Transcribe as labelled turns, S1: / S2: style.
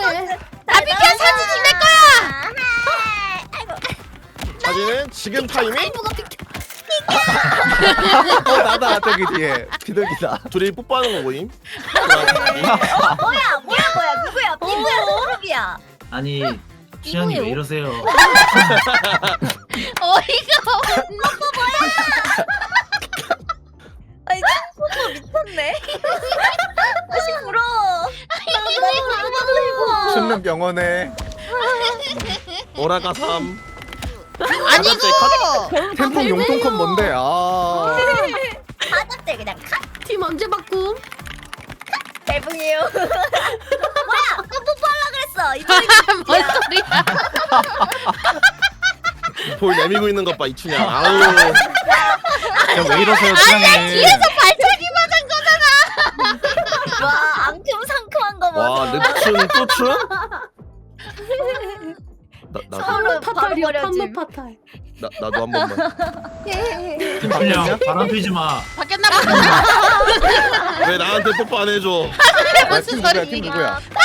S1: 다 비켜 사진 찍을 거야.
S2: 사진은 지금 타이밍?
S3: 나다 저기 뒤에 비둘기다.
S2: 둘이 뽀뽀하는 거 보임?
S4: 뭐야 누구야 핑구야 소름이야.
S5: 아니 취향이 왜 이러세요?
S1: 어이가
S4: 아니 친구가 미쳤네. 다시 불어.
S3: 춤는 병원에
S2: 오라가 3.
S1: 아니고
S3: 템폰 용통컷 뭔데? 아
S4: 받았대 그냥 카.
S6: 팀 언제 바꿈?
S4: 대붕이에요. 뭐야 뽀뽀하려 그랬어. 이쪽이
S1: 뭔 소리야?
S2: 볼 내밀고 있는 것 봐 이춘향. 아우.
S5: 왜 이러세요 취향이?
S1: 뒤에서 발차기 맞은 거잖아.
S4: 와 앙큼상큼한 거 봐.
S2: 와 늪춘 또 춘? 나도
S4: 서로 바로
S6: 파탈이야
S4: 버려짐.
S6: 판무 파탈.
S2: 나도 한 번만.
S5: 팀춘향 바람 피지 마.
S1: 바뀌었나 보다.
S2: 왜 나한테 뽀뽀 안 해줘?
S3: 팀 누구야? 팀 누구야?